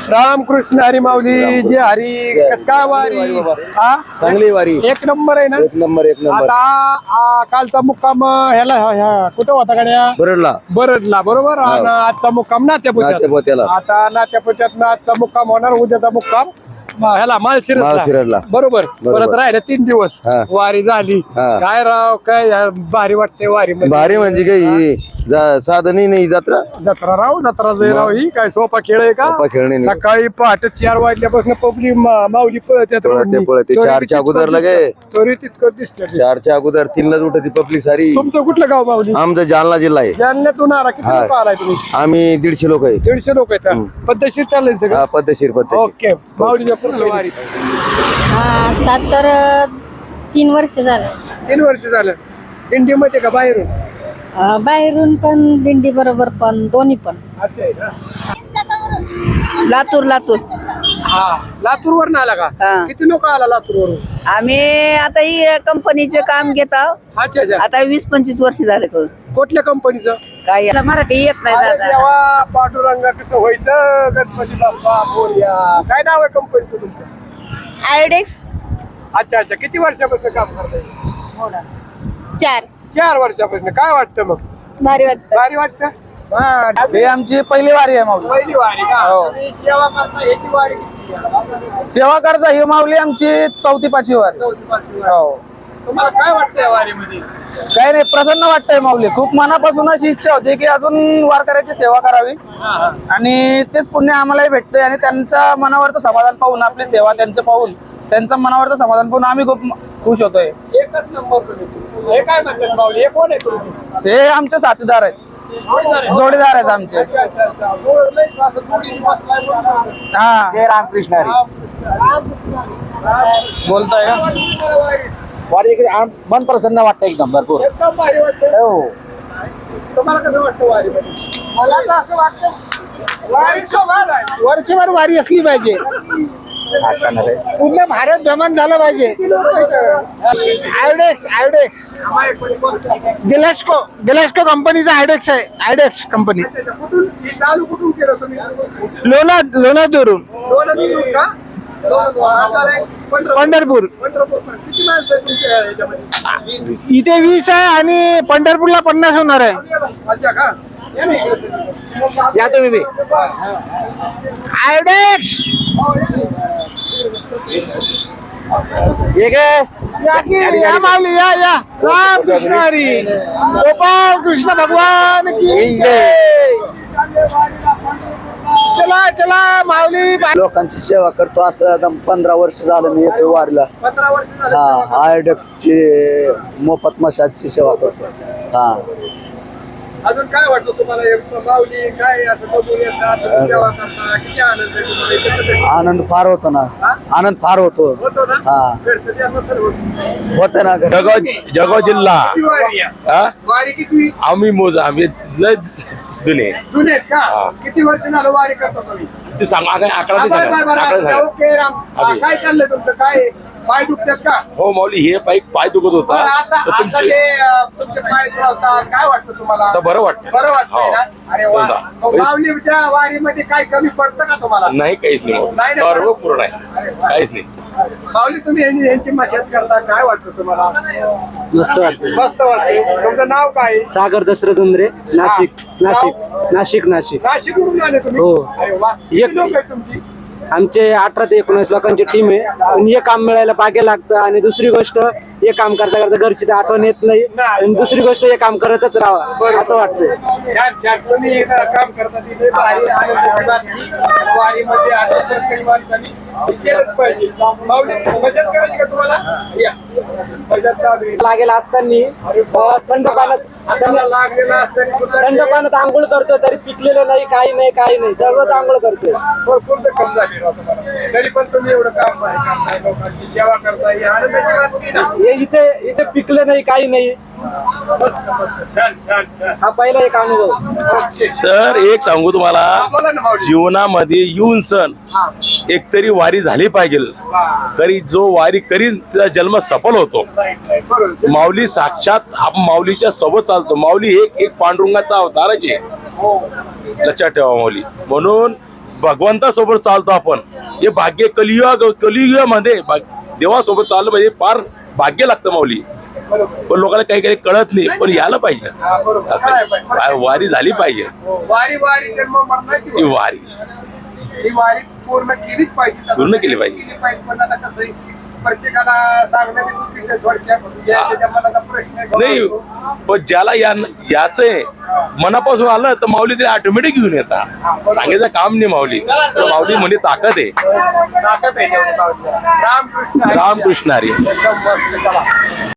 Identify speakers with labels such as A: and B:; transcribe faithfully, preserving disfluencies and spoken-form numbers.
A: रामकृष्ण हरी माऊली जे हरी कस काय वारी हा
B: चांगली वारी
A: एक नंबर आहे ना.
B: एक नंबर एक नंबर.
A: आता आ, कालचा मुक्काम ह्याला ह्या- ह्या कुठं होता गाड्या
B: बरडला
A: बरडला बरोबर आणि आजचा मुक्काम नात्यापुत्यात.
B: नात्यापोत्याला.
A: आता नात्यापुत्यात आजचा मुक्काम होणार उद्याचा मुक्काम म- ह्याला माळशिरसला
B: माळशिरसला.
A: बरोबर.
B: बरोबर.
A: परत राहिले तीन दिवस
B: हा.
A: वारी झाली.
B: हा.
A: काय राव काय यार, भारी वाटते वारी
B: भारी म्हणजे काही जा- साधनही नाही जत्रा
A: जत्रा राव जत्रा जय राव ही काय सोपा खेळ आहे का.
B: सोपा खेळ नाही.
A: सकाळी पहाटे चार वाजल्यापासून पब्लिक माऊली पळते
B: पळते पळते चारच्या अगोदर लगे
A: तरी तितकं दिसतं.
B: चारच्या अगोदर तीनलाच उठती पब्लिक सारी.
A: तुमचं कुठलं गाव माऊली.
B: आमचा जालना जिल्हा आहे.
A: जालन्यातून आला किती
B: हा.
A: लोक आलाय तुम्ही.
B: आम्ही दीडशे लोक आहे.
A: दीडशे लोक आहेत पद्धतशीर चाललंय सगळं.
B: हा, पद्धतशीर पद्धतशीर.
A: ओके माऊलीच्या पुढलं वारी
C: हा आता तर तीन वर्ष झालं.
A: तीन वर्ष झालं. दिंडीमध्ये का बाहेरून.
C: अं, बाहेरून पण दिंडी बरोबर पण दोन्ही पण.
A: अच्छा आहे का.
C: लातूर लातूर
A: हा लातूर वरून आला का.
C: हा.
A: किती लोक आला लातूर वरून.
C: आम्ही आता ही कंपनीचे काम घेत आहोत.
A: अच्छा अच्छा.
C: आता वीस पंचवीस वर्ष झाले करून.
A: कुठल्या कंपनीचं.
C: काय याला मराठी येत नाही
A: अरे
C: दादा.
A: देवा पांडुरंगा कसं व्हायचं गणपती बाप्पा बोलया. काय नाव आहे कंपनीचं तुमचं.
C: आयोडेक्स
A: अच्छा अच्छा. किती वर्षापासून काम करताय.
C: चार
A: चार वर्षापासून. काय वाटतं मग.
C: भारी वाटत.
A: भारी वाटतं. हा.
D: हे आमची पहिली वारी आहे माऊली.
A: पहिली वारी का. तुम्ही सेवा करता याची वारी किती आहे?
D: सेवा करता ही माऊली आमची चौथी पाचवी वारी.
A: चौथी पाचवी वारी.
D: हो.
A: तुम्हाला काय वाटतं या वारीमध्ये.
D: काही नाही प्रसन्न वाटतंय माऊली. खूप मनापासून अशी इच्छा होती की अजून वारकऱ्याची सेवा करावी
A: हा हा.
D: आणि तेच पुण्य आम्हालाही भेटतंय आणि त्यांच्या मनावरचं समाधान पाहून आपली सेवा त्यांचं पाहून त्यांचं मनावरचं समाधान पाहून आम्ही खूप खुश होतोय.
A: एकच नंबर तुम्ही. हे काय म्हणतात माऊली. हे कोण आहे तुम्ही.
D: हे आमचे साथीदार आहेत. जोडीदार आहेत आमचे.
A: अच्छा, अच्छा, अच्छा. हो, लयच असं जोडीने बसलाय म्हणून.
D: हा जय रामकृष्ण हरी. बोलताय का वारी मन प्रसन्न वाटतं एकदम भरपूर.
A: एकदम भारी वाटतं.
D: हो.
A: तुम्हाला कसं वाटतं वारीमध्ये.
D: मला तर असं वाटतं
A: वारीचं भाग आहे.
D: वर्षभर वारी असली पाहिजे. पूर्ण भारत भ्रमण झालं पाहिजे. आयडेक्स आयडेक्स गिलास्को गिलास्को कंपनीचा आयडेक्स आहे. आयडेक्स कंपनी
A: कुठून हे चालू कुठून केलं तुम्ही.
D: लोणा लोणादूरून
A: लोणावळा का. लोणावळा. पंढरपूर.
D: पंढरपूर.
A: पंढरपूर. किती माणसं आहेत तुमच्या ह्याच्यामध्ये.
D: इथे वीस आहे आणि पंढरपूरला पन्नास होणार आहे.
A: अच्छा का. या ना इकडे.
D: या तुम्ही बी. आयडेक्स हे काय या की या माऊली या या. राम कृष्ण हरी. गोपाल कृष्ण भगवान की जय. चला चला माऊली.
B: लोकांची सेवा करतो असं आता पंधरा वर्ष झालं मी येतो वारीला.
A: पंधरा वर्ष झालं.
B: हा आयोडेक्सची मोफत मसाजची सेवा करतो. हा
A: अजून काय वाटतं तुम्हाला. हे माऊली काय असं बघून येतात तुम्ही सेवा करता. किती आनंद आहे तुम्हाला. हे कसं भेटतं?
B: आनंद फार होतो ना. आनंद फार होतो.
A: होतो ना.
B: हा
A: भेटतं ते असं सर्व.
B: होत ना.
E: जळगाव जळगाव जिल्हा.
A: किती वारी आहे?
E: हा?
A: वारी किती.
E: आम्ही मोज आम्ही लय जुने
A: जुने आहेत का.
E: हा.
A: किती वर्ष झालं वारी करता तुम्ही.
E: ते सांगा आकडा आकडा
A: हा,
E: ते
A: बरं, बरं,
E: सांगा आकडा
A: बरं.
E: सांगा.
A: ओके राम. हा,
E: अभि.
A: काय चाललंय तुमचं. काय पाय दुखतात का.
E: हो माऊली हे पाय पाय दुखत
A: बरं,
E: होता
A: आता
E: तर
A: आता
E: तुमची
A: ते अं, तुमचे पाय चालतात. काय वाटतं तुम्हाला.
E: आता बरं वाटतं.
A: बरं वाटतंय ना.
E: हो.
A: अरे वा.
E: हो.
A: मग माऊलीच्या वारीमध्ये काय कमी पडतं का तुम्हाला.
E: नाही काहीच नाही माऊली.
A: नाही ना.
E: सर्व पूर्ण आहे.
A: अरे वा.
E: काहीच नाही.
A: माऊली तुम्ही यांची यांची मशाज करता. काय वाटतं तुम्हाला.
F: मस्त वाटतं.
A: मस्त वाटतं. तुमचं नाव काय.
F: सागर दशरथ उंद्रे, नाशिक
A: हा.
F: नाशिक नाशिक नाशिक
A: नाशिकवरून आले तुम्ही.
F: हो.
A: अरे वा.
F: एक-
A: किती लोक आहेत तुमची.
F: आमचे अठरा ते एकोणीस लोकांची टीम आहे. पण हे काम मिळायला पागे लागतं आणि दुसरी गोष्ट हे काम करता करता घरची तर आठवण येत नाही आणि दुसरी गोष्ट हे काम करतच राहावं असं वाटतं.
A: छान छान. तुम्ही इथं काम करता तिथे भारी आनंदाची बातमी. वारीमध्ये असं प्रत्येक माणसाने केलंच पाहिजे. माऊली मजाच करायची का तुम्हाला. या मजाच चालू आहे.
F: लागेल असताना थंड पाण्यात
A: हाताला लागलेला असताना सुद्धा
F: थंड पाण्यात आंघोळ करतो तरी पिकलेलं नाही काही नाही काही नाही सर्वच आंघोळ करतोय.
A: भरपूर जखम झाली राव तुम्हाला. तरी पण तुम्ही एवढं काम भारी करताय. लोकांची सेवा करताय. ही आनंदाची बातमी ना.
F: हे इथे इथे पिकलं नाही काही नाही.
A: मस्त मस्त. छान छान छान.
F: हा पहिला एक अनुभव.
E: सर एक सांगू तुम्हाला
A: बोला ना माऊली.
E: जीवनामध्ये येऊन सण
A: हा.
E: एकतरी वारी झाली पाहिजे.
A: वा.
E: करी जो वारी करीन त्याचा जन्म सफल होतो.
A: Right right. बरोबर.
E: माऊली साक्षात आपण माऊलीच्या सोबत चालतो. माऊली एक एक पांडुरंगाचा अवतारच आहे.
A: हो.
E: लक्षात ठेवा माऊली. म्हणून भगवंतासोबत चालतो आपण, हे भाग्य कलियुग कलियुगामध्ये भाग- देवासोबत चाललं म्हणजे फार भाग्य लागतं माऊली.
A: बरोबर.
E: पण लोकांना काही काही कळत नाही, पण यायला पाहिजे.
A: हा, बरोबर.
E: असं
A: काय
E: आहे.
A: पाहिजे?
E: वा- वारी झाली पाहिजे.
A: वारी वारी जन्म मरणाची
E: ती
A: वारी.
E: वारी
A: ही वारी पूर्ण केलीच पाहिजे.
E: पूर्ण केली पाहिजे.
A: केली पाहिजे. पण आता कसं आहे, प्रत्येकाला सांगणं बी चुकीचं आहे थोडक्यात. ज्या- ज्याच्या मनाचा प्रश्न आहे,
E: नाही, पण ज्याला या याच मनापासून आलं तर माऊली ते ऑटोमॅटिक घेऊन येतात. सांगायचं काम नाही माऊली. तर माऊली म्हणजे ताकद आहे.
A: ताकद आहे तेवढी माऊलीला. रामकृष्ण हरी.
E: रामकृष्ण हरी.
A: एकदम मस्त. चला.